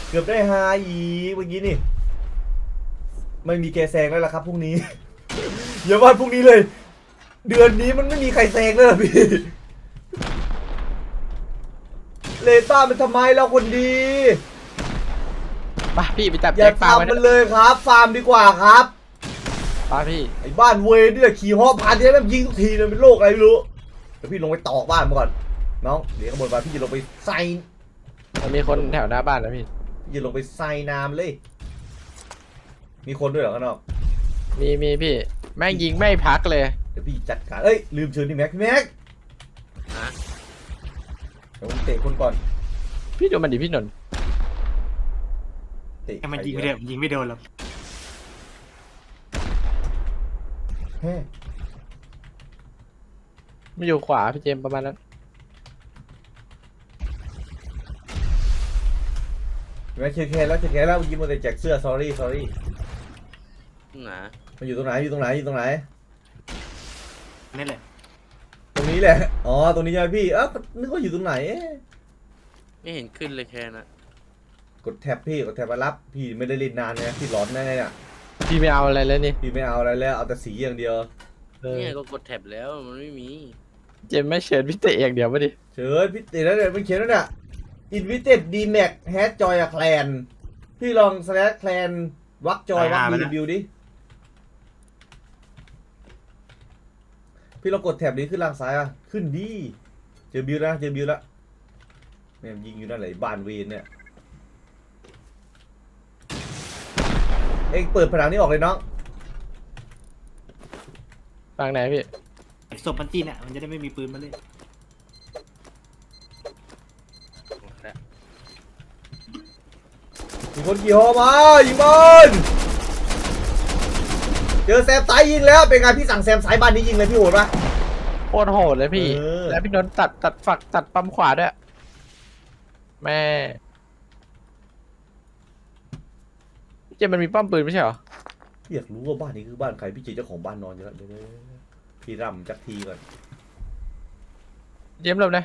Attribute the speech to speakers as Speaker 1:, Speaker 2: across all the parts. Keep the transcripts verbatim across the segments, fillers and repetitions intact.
Speaker 1: เกือบได้ฮาอีกเมื่อกี้นี่ไม่มีแกแซงแล้วล่ะครับพรุ่งนี้ อย่าว่าพรุ่งนี้เลย เดือนนี้มันไม่มีใครแซงเลยพี่เลต้ามันทำไมเราคนดี
Speaker 2: ไปพี่ไปจับ
Speaker 1: อ
Speaker 2: แจ็
Speaker 1: ย่า
Speaker 2: คปลาไว้
Speaker 1: ทำมันเลยครับ ฟาร์มดีกว่าครับ
Speaker 2: ปลาพี่
Speaker 1: ไอ้บ้านเวรนี่แหละขี่ฮอผ่านที่แบบยิงทุกทีเลยเป็นโรคอะไรไม่รู้เดี๋ยวพี่ลงไปตอกบ้านมาก่อนน้องเดี๋ยวข้างบนมาพี่จะลงไปใส่
Speaker 2: มันมีคนแถวหน้าบ้านนะพี่
Speaker 1: พี่จะลงไปใส่น้ำเลย มีคนด้วยเหรอข้างนอก
Speaker 2: มีมีพี่แม่งยิงไม่พักเลย
Speaker 1: เดี๋ยวพี่จัดการเอ้ยลืมเชิญนี่แม็กพี่แม็ก
Speaker 3: ฮะ
Speaker 1: เดี๋ยวผมเตะคนก่อน
Speaker 2: พี่ดูมันดิพี่นนท์
Speaker 1: เตะ
Speaker 4: ให้มันยิงไม่ได้ยิงไม่โดนหรอก
Speaker 1: แฮ่
Speaker 2: มันอยู่ขวาพี่เจมส์ประมาณนั้น
Speaker 1: แม็กเชียร์แคร์แล้วเชียร์แคร์แล้วเมื่อกี้มันแต่แจกเสื้อ sorry sorry
Speaker 3: หนา
Speaker 1: มันอยู่ตรงไหนอยู่ตรงไหนอยู่ตรงไหน
Speaker 4: นี่แหละ
Speaker 1: ตรงนี้แหละอ๋อตรงนี้ใช่ไหมพี่เอ้านึกว่าอยู่ตรงไหนเอ๊ะ
Speaker 3: ไม่เห็นขึ้นเลยแค่นะ
Speaker 1: กดแท็บพี่กดแท็บมารับพี่ไม่ได้เล่นนานนะพี่ร้อนแน่เนี่ย
Speaker 2: พี่ไม่เอาอะไรแล้วนี่
Speaker 1: พี่ไม่เอาอะไรแล้วเอาแต่สีอย่างเดียว
Speaker 2: เออ
Speaker 3: เนี่ยก็กดแท็บแล้วมันไม่มี
Speaker 2: เจมส์ไม่เชิญพี่เตะอย่างเดียวมาดิ
Speaker 1: เชิญพี่ติดแล้วเนี่ยมันเขียนแล้วเนี่ย invited dmac has joy a clan พี่ลอง slash clan วักจอยวักมีบิวดิพี่ลองกดแท็บนี้ขึ้นล่างซ้ายอ่ะขึ้นดิเจอบิวนะเจอบิวแล้วแม่งยิงอยู่นั่นแหละบ้านเวนเนี่ยเอ็งเปิดผนังนี้ออกเลยน้อง
Speaker 2: ฟังไหนพี่
Speaker 4: ไอ้ศพมันจีนอ่ะมันจะได้ไม่มีปืนมาเล่น
Speaker 1: มีคนขี่ฮอมายิงบอลเจอแซมไซยิงแล้วเป็นไงพี่สั่งแซมไซบ้านนี้ยิงเลยพี่โหดปะ
Speaker 2: โคตรโหดเลยพี่
Speaker 1: เออ
Speaker 2: แล้วพี่นนท์ตัดตัดฝักตัดปั๊มขวาด้วยแม่พี่เจมส์มันมีป้อมปืนไม่ใช่เหรอ
Speaker 1: พี่อยากรู้ว่าบ้านนี้คือบ้านใครพี่เจเจ้าของบ้านนอนอยู่แล้วเดี๋ยวๆพี่ร่ำจักทีก่อน
Speaker 2: เจมส์เริ่มเลย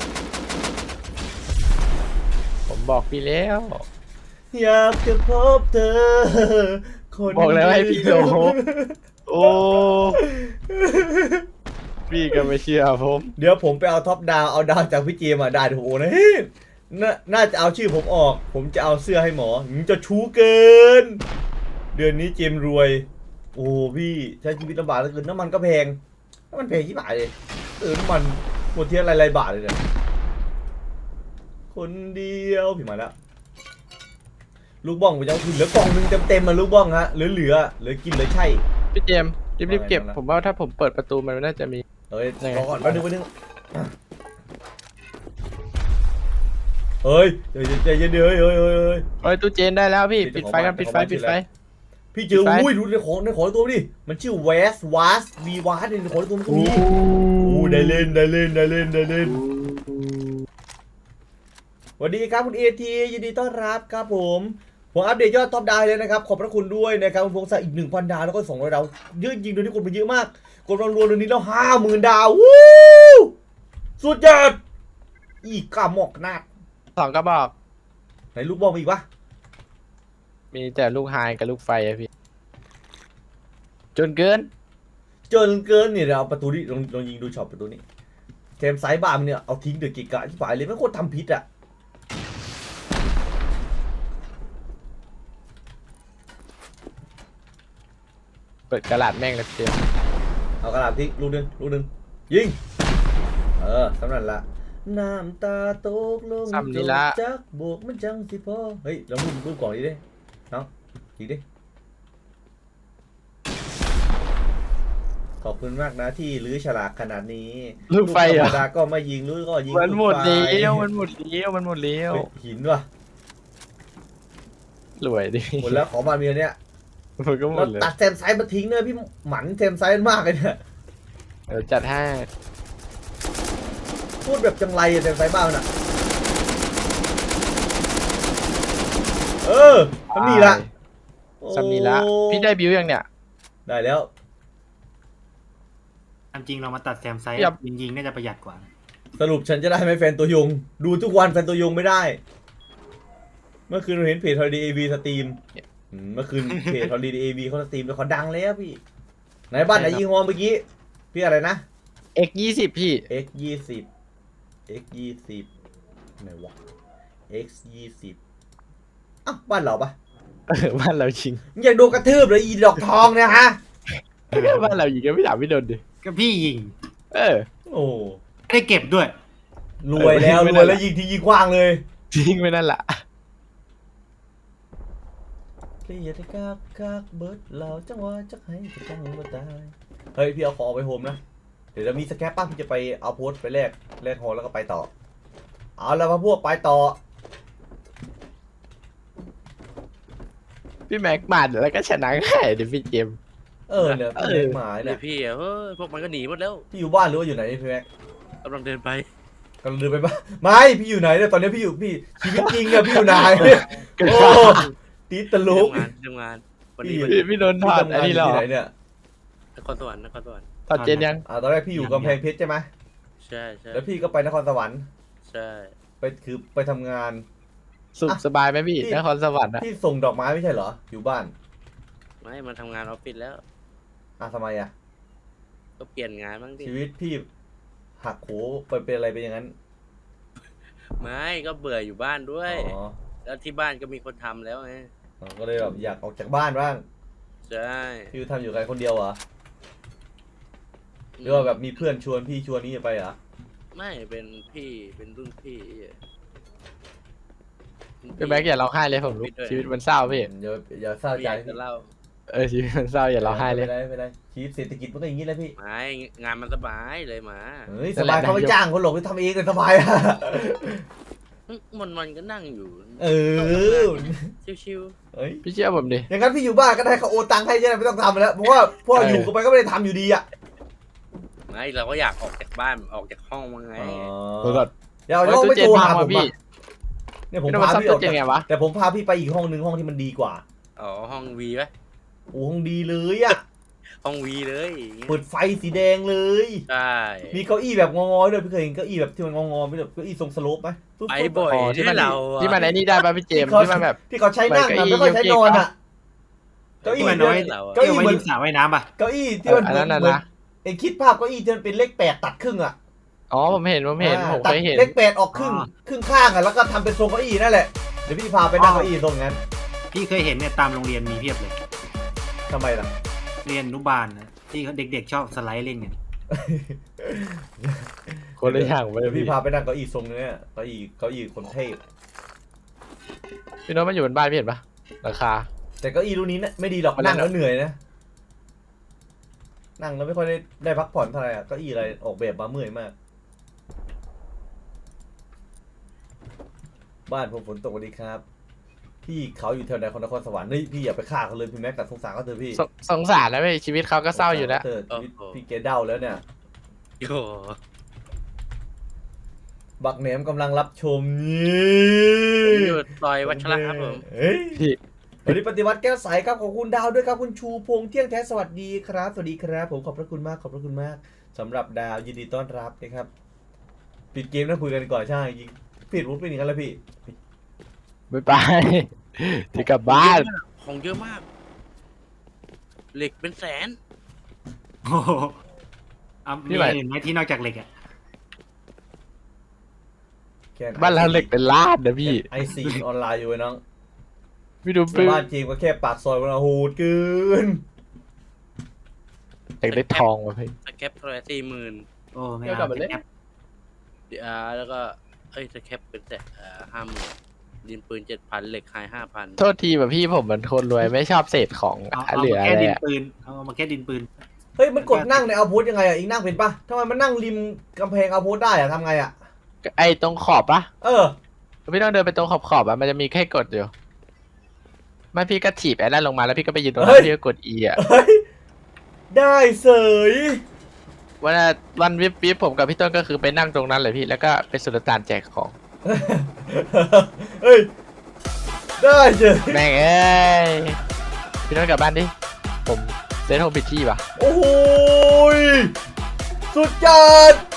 Speaker 2: ผมบอกพี่แล้ว
Speaker 1: อยากจะพบเธอคน
Speaker 2: บอกแล้วให้พี่โดโอ้พี่ก็ไม่เชื่อผม
Speaker 1: เดี๋ยวผมไปเอาท็อปดาวเอาดาวจากพี่เจมาได้ถูกโอ้นะเฮ้ยน่าน่าจะเอาชื่อผมออก ผมจะเอาเสื้อให้หมอมึงจะชู้เกิน เดือนนี้เจมรวย โอ้พี่ใช้ชีวิตลำบากเหลือเกินน้ำมันก็แพงน้ำมันแพงที่บาทเลยเออน้ำมันหมดเที่ยวอะไรๆบาทเลยเนี่ยคนเดียวพี่มาแล้วลูกบ้องไปยังเหลือกล่องหนึงเต็มๆมาลูกบ้องฮะเหลือเหลือเหลือกินเหลือใช่
Speaker 2: พี่เจมส์รีบๆเก็บ
Speaker 1: ว่าไงนะ
Speaker 2: ผมว่าถ้าผมเปิดประตูมันน่าจะมี
Speaker 1: เฮ้ย
Speaker 2: ยังไง
Speaker 1: รอก่อนแป๊บนึงแป๊บนึงเฮ้ยใจเย็นใจเย็นเดี๋ยวเฮ้ยเฮ้ยเฮ้ยเฮ้ย
Speaker 2: เฮ้ยตู้เจนได้แล้วพี่
Speaker 1: ปิ
Speaker 2: ปิ
Speaker 1: ด
Speaker 2: ด
Speaker 1: ของ
Speaker 2: ไฟกัน
Speaker 1: บ้าน
Speaker 2: ปิดไฟ
Speaker 1: ของบ้าน
Speaker 2: ปิด
Speaker 1: ปิด
Speaker 2: ไฟ
Speaker 1: แล้ว พี่เจอ
Speaker 2: ปิดไฟ
Speaker 1: อุ้ยดูในของในของตัวดิมันชื่อ West Was V Was ในของตัวมันก็มีโอ้ได้เล่นได้เล่นได้เล่นได้เล่นสวัสดีครับคุณเอทียินดีต้อนรับครับผมผมอัปเดตยอดท็อปดาวเลยนะครับขอบพระคุณด้วยนะครับคุณพงศักดิ์อีกหนึ่งพันดาวแล้วก็สองร้อยดาวเยอะจริงๆโดยที่คนไปเยอะมากกดรวมๆเดือนนี้แล้วห้าหมื่นดาววู้สุดยอดอีกกาหมอกนาด
Speaker 2: สองกระบอก
Speaker 1: ไหนลูกบอลมีอีกปะ
Speaker 2: มีแต่ลูกไฮกับลูกไฟอะพี่ จนเกิน
Speaker 1: เจอเกินเนี่ยเดี๋ยวเอาประตูนี้ลองลองยิงดูช็อตประตูนี้เทมไซส์บาร์มเนี่ยเอาทิ้งเดือดกิกะที่ฝ่ายเลยไม่โคตรทำพิษอ่ะ
Speaker 2: เปิดกระดาษแม่งเลยพี่เจมส์
Speaker 1: เอากระดาษทิ้งลูกหนึงลูกหนึงยิงเออสำนันละน้ำตาตกลงจนจักบวกมันจังสิพ่อเฮ้ยลองรูปรูปก่อนดิเด้น้องยิงดิขอบคุณมากนะที่ลื้อฉลากขนาดนี้
Speaker 2: ลูกไฟ
Speaker 1: ธร
Speaker 2: เหร
Speaker 1: ร
Speaker 2: อ
Speaker 1: มดาก็ไม่ยิงลื้อก็ยิง
Speaker 2: มันหมด
Speaker 1: ลูกไฟ
Speaker 2: เลี้ยวมันหมดเลี้ยวมันหมดเลี้ยว
Speaker 1: เฮ้ยหินว่ะ
Speaker 2: รวยดิ
Speaker 1: หมดแล้วของมาเมียเนี่ย
Speaker 2: มันก็หม
Speaker 1: เรา
Speaker 2: ดเลย
Speaker 1: ตัดแซมไซส์มาทิ้งเนี่ยพี่หมันแซมไซส์มากเลยเนี่ย
Speaker 2: เดี๋ยวจัดให้
Speaker 1: พูดแบบจังไรอะแซมไซส์บ้างน่ะเออมันมีละ
Speaker 2: ซัมนีละ
Speaker 1: โอ้
Speaker 2: พี่ได้บิวยังเนี่ย
Speaker 1: ได้แล้ว
Speaker 4: ตามจริงเรามาตัดแซมไซด์
Speaker 2: อย่า
Speaker 4: ยิงยิงๆน่าจะประหยัดกว่า
Speaker 1: สรุปฉันจะได้ไหมแฟนตัวยง ดูทุกวันแฟนตัวยงไม่ได้ ไมื่อคืนเราเห็นเพจ Holiday เอ วี สตรีมอืมเมื่อคืนเพจ Holiday เอ วี เขาสตรีมแล้วเขาดังแล้วพี่ไหนบ้านไหนยิงฮอเมื่อกี้พี่อะไรนะ
Speaker 2: เอ็กยี่สิบพี่
Speaker 1: x ยี่สิบ x ยี่สิบไหนวะ x ยี่สิบอ้าวบ้านเราปะ
Speaker 2: เออบ้านเรายิง
Speaker 1: มึงอยากโดนกระทืบเลยอีดอกทองเนี่ยฮะ
Speaker 2: บ้านเรายิงก็ไม่ถามพี่โดนดิ
Speaker 4: ก็พี่ยิง
Speaker 2: เออ
Speaker 1: โอ้
Speaker 4: ไม่ได้เก็บด้วย
Speaker 1: รวยแล้ว
Speaker 2: เออไม่
Speaker 1: ร
Speaker 2: ได้
Speaker 1: วยแล้วยิงทียิงกว้างเลย
Speaker 2: ยิงไปนั่นแหละ
Speaker 1: เรียกกากกากเบิร์ดเราจังหวะจักให้จะต้องมาตายเฮ้ยพี่เอาของไปโฮมนะเดี๋ยวจะมีสแคปป้าพี่จะไปเอาโพสต์ไปแลกแลกฮอแล้วก็ไปต่อเอาแล้วมาพวกไปต่อ
Speaker 2: พี่แม็กมาดแล้วก็ชนะง่ายดิพี่เจมส์
Speaker 1: เออเนี่ย
Speaker 2: เออ
Speaker 1: เล็กหมาย
Speaker 3: เดี๋
Speaker 1: เนี่ย
Speaker 3: ยวพี่อะเฮ้ยพวกมันก็หนีหมดแล้ว
Speaker 1: พี่อยู่บ้านหรือว่าอยู่ไหนพี่แม็ก
Speaker 3: กำลังเดินไป
Speaker 1: กำลังเดินไปบ้านไม่พี่อยู่ไหนเนี่ยตอนนี้พี่อยู่พี่ชีวิตจริงอะพี่อยู่ไหน
Speaker 2: เกิด
Speaker 1: โอ้
Speaker 2: มา
Speaker 1: ตีตลก
Speaker 3: ทำงานทำงานวันนี้
Speaker 1: พี่
Speaker 3: วัน
Speaker 2: พี่
Speaker 3: นี้
Speaker 2: พี่โดนถ
Speaker 1: พี่
Speaker 2: อด
Speaker 1: ทำ
Speaker 2: อัน
Speaker 1: งานอ
Speaker 2: นี้
Speaker 1: ยู่
Speaker 2: เหรอ
Speaker 1: ที่ไหนเนี่ย
Speaker 3: นครสวรรค์นครสวรรค์
Speaker 2: ถอดเจนยัง
Speaker 1: อ่าตอนแรกพี่อยู่กำแพงเพชรใช่ไหม
Speaker 3: ใช่ใช่
Speaker 1: แล้วพี่ก็ไปนครสวรรค์
Speaker 3: ใช่
Speaker 1: ไปคือไปทำงาน
Speaker 2: สุขสบายไหมพี่
Speaker 1: พี่
Speaker 2: นครสวรรค์อะ
Speaker 1: พี่ส่งดอกไม้ไม่ใช่เหรออยู่บ้าน
Speaker 3: ไม่มาทำงานออฟฟิศแล้ว
Speaker 1: อ่ะทำไมอะ
Speaker 3: ก็เปลี่ยนงานบ้างดิ
Speaker 1: ชีวิตพี่หักโหไปเป็นอะไรไปอย่างนั้น
Speaker 3: ไม่ก็เบื่ออยู่บ้านด้วย
Speaker 1: อ๋อ
Speaker 3: แล้วที่บ้านก็มีคนทำแล้วไง
Speaker 1: อ๋อก็เลยแบบอยากออกจากบ้านบ้าง
Speaker 3: ใช่
Speaker 1: พี่ทำอยู่กับใครคนเดียวเหรอหรือว่าแบบมีเพื่อนชวนพี่ชวนนี่ไปเหรอ
Speaker 3: ไม่เป็นพี่เป็นรุ่นพี่
Speaker 2: พี่แม็กอย่าร้องไห้เลยผมรู้ชีวิตมันเศร้าพี่
Speaker 1: อย่าอย่าเศร้า
Speaker 3: ไม่
Speaker 1: ใจ
Speaker 3: อยาก
Speaker 1: พี่
Speaker 3: จะเล่า
Speaker 2: เออชีวิตมันเศร้าอย่าร้องไห้เลย
Speaker 1: ไม่ได้ไม่ได้ชีวิตเศรษฐกิจมันก็อย่างนี้แหละพี่
Speaker 3: ไม่งานมันสบายเลยหมา
Speaker 1: เฮ้ยสบายเขาไม่จ้างคนหรอกไปทำเองเลยสบายอะ
Speaker 3: มันมันก็นั่งอยู่
Speaker 1: เออ
Speaker 3: ชิว
Speaker 1: เฮ้ย
Speaker 2: พี่เชื่อผมดิ
Speaker 1: อย่างนั้นพี่อยู่บ้านก็ได้เขาโอนตังค์ให้ใช่ไหมไม่ต้องทำแล้วเพราะว่าพ่อ
Speaker 2: เออ
Speaker 1: อ
Speaker 2: อ
Speaker 1: ยู่กันไปก็ไม่ได้ทำอยู่ดีอะ
Speaker 3: ๆไม่เราก็อยากออกจากบ้านออกจากห้องมาไง
Speaker 2: เออ
Speaker 1: เดี๋ยว
Speaker 2: เฮ้ย
Speaker 1: เรา
Speaker 2: ตู้
Speaker 1: ไม่
Speaker 2: เจน
Speaker 1: โทร
Speaker 2: พั
Speaker 1: หาง ผ
Speaker 2: ว่ะ
Speaker 1: ม
Speaker 2: พี่
Speaker 1: อะเนี่ยผม
Speaker 2: พี่โดน
Speaker 1: พา
Speaker 2: ซ่อม
Speaker 1: พี่อ
Speaker 2: ตู้
Speaker 1: อก
Speaker 2: เจน
Speaker 1: จาก
Speaker 2: ไงวะ
Speaker 1: แต่ผมพาพี่ไปอีกห้องนึงห้องที่มันดีกว่า
Speaker 3: อ๋อห้องวีไหม
Speaker 1: โอ้ห้องดีเลยอะ
Speaker 3: ห้องวีเลย
Speaker 1: เปิดไฟสีแดงเลย
Speaker 3: ใช่
Speaker 1: มีเก้าอี้แบบงอๆด้วยพี่เคยเห็นเก้าอี้แบบที่มันงอๆไม่แบบเก้าอี้ทรงสโลปไหมปุ๊
Speaker 3: ไป
Speaker 1: ปุ๊
Speaker 3: บ่อย
Speaker 2: อ๋อที่มัน
Speaker 3: เราอะ
Speaker 2: ที่มันไอ้นี่ได้ป่ะพี่เจมส์
Speaker 1: ที่เขา
Speaker 2: ที่มันแบบ
Speaker 1: ที่เขาใช้นั่ง
Speaker 2: เปิด
Speaker 1: อะ
Speaker 2: เก้าอี้
Speaker 1: ไม่ค่อยใช้นอนอะเก้าอี้
Speaker 4: ที่มัน
Speaker 1: เดียว
Speaker 4: เอาไว้
Speaker 3: เราอะ
Speaker 1: เก้าอี้
Speaker 4: ที่เอาไว้
Speaker 1: เหมือน
Speaker 4: ริมสระว่ายน้ำป่ะ
Speaker 1: เก้าอี้ที่มัน
Speaker 2: อัน
Speaker 1: เหมื
Speaker 2: นั้
Speaker 1: อน
Speaker 2: นน่ะ
Speaker 1: เหมือน
Speaker 2: นะ
Speaker 1: เองคิดภาพเก้าอี้ที่มันเป็นเลขแปดตัดครึ่งอะ
Speaker 2: อ๋อผมเห็นผมเห็น
Speaker 1: อ่า
Speaker 2: ผม
Speaker 1: ตัด
Speaker 2: เคยเห็น
Speaker 1: เลขแปดออกครึ่งครึ่งข้างอะแล้วก็ทำเป็นทรงเก้าอี้นั่นแหละเดี๋ยวพี่พาไปนั่งเก้าอี้ทรงนั้น
Speaker 4: พี่เคยเห็นเนี่ยตามโรงเรียนมีเพียบเลย
Speaker 1: ทำไมล่ะ
Speaker 4: เรียนอนุบาลนะที่เขาเด็กๆชอบสไลด์เล่นกัน
Speaker 2: คนละอย่างไปเล
Speaker 1: เดี๋ย
Speaker 2: ยว พี่
Speaker 1: พี่พาไปนั่งเก้าอี้ทรงนี้เนี่ยเก้าอี้เก้าอี้คนเทพ
Speaker 2: พี่โน้ตมันอยู่บนบ้านพี่เห็นปะราคา
Speaker 1: แต่เก้าอี้รุ่นนี้นะไม่ดีหรอก
Speaker 2: มัน
Speaker 1: นั่งแล้วเหนื่อยนะนั่งแล้วไม่ค่อยได้ได้พักผ่อนเท่าไหร่อะเก้าอี้อะไรออกแบบมาเมื่อยมาก บ้านผมฝนตกสวัสดีครับ พี่เขาอยู่แถวไหนของนครสวรรค์นี่พี่อย่าไปฆ่าเขาเลยพี่แม็กกับสงสารเขาเถอะพี่
Speaker 2: สงสงสารนะพี่ชีวิตเขาก็เศร้าอยู่แล้ว
Speaker 1: เถะชีวิตพี่เกดเด้าแล้วเนี่ย
Speaker 3: โย
Speaker 1: บักแหนมกำลังรับชมนี
Speaker 3: ผม่ อยู่ซอยวัชระครับผม
Speaker 1: เฮ้ย
Speaker 2: พี่
Speaker 1: วันนี้ปฏิวัติแก้วใสครับขอบคุณดาวด้วยครับคุณชูพงษ์เที่ยงแท้สวัสดีครับสวัสดีครับผมขอบพระคุณมากขอบพระคุณมากสำหรับดาวยินดีต้อนรับนะครับปิดเกมแล้วคุยกันดีกว่อนใช่ยิงปิดวุ้นเป็นอย่างนั้นแล้วพี่
Speaker 2: ไม่ไป ที่กลับบ้าน
Speaker 3: ของเยอะมาก เหล็กเป็นแสน
Speaker 4: โอ้โหเอามีอะไรอื่นไหมที่นอกจากเหล็กอ่ะ
Speaker 1: แค่
Speaker 2: บ้านเราเหล็กเป็นล้านนะพี่
Speaker 1: ไอซีออนไลน์อยู่ไอ้น้อง
Speaker 2: พี่ดูปื้
Speaker 1: บ้านจริงก็แค่ปากซอยมันโหดเกิน
Speaker 2: อยากได้ทองว่ะพี่
Speaker 3: สแคปเท่าไหร่สี่หมื่น
Speaker 4: โอ้ไม่
Speaker 2: เดี๋ยวกลั
Speaker 4: เอา
Speaker 2: บมาเล่น
Speaker 4: แอป
Speaker 3: ดีอาร์แล้วก็เอ้ยสแคปเป็นแต่ห้าหมื่นดินปืนเจ็ดพันเหล็กไฮห้าพัน
Speaker 2: โทษทีแบบพี่ผมเป็นคนรวยไม่ชอบเศษของ
Speaker 4: เอาเอา
Speaker 2: เหลือ
Speaker 4: มา
Speaker 2: อะ
Speaker 4: แก้
Speaker 2: ไร
Speaker 4: ดิน
Speaker 2: อะ
Speaker 4: ปืนเอามาแก้ดินปืน
Speaker 1: เฮ้ยมันกดนั่งในเอาโพสยังไงอ่ะอีกนั่งเป็นปะทำไมมันนั่งริมกำแพงเอาโพสได้อ่ะทำไงอ่ะ
Speaker 2: ไอ้ตรงขอบปะ
Speaker 1: เออ
Speaker 2: พี่ต้องเดินไปตรงขอบขอบๆอะมันจะมีแค่กดอยู่ไม่พี่ก็ถีบไอ้นั่นลงมาแล้วพี่ก็ไปยืนตรง
Speaker 1: เฮ้
Speaker 2: นั้
Speaker 1: ย
Speaker 2: นพี่ก็กด E อ่ะ
Speaker 1: เฮ้ยได้เสย
Speaker 2: วันนั้นวันวิบวิบผมกับพี่ต้นก็คือไปนั่งตรงนั้นเลยพี่แล้วก็ไปสุลต่านแจกของ
Speaker 1: เฮ้ยได้เสย
Speaker 2: แม่งเอ้ยพี่ต้นกลับบ้านดิผมเซตโฮมพิชชี่ปะ
Speaker 1: โอ้โหยสุดจัด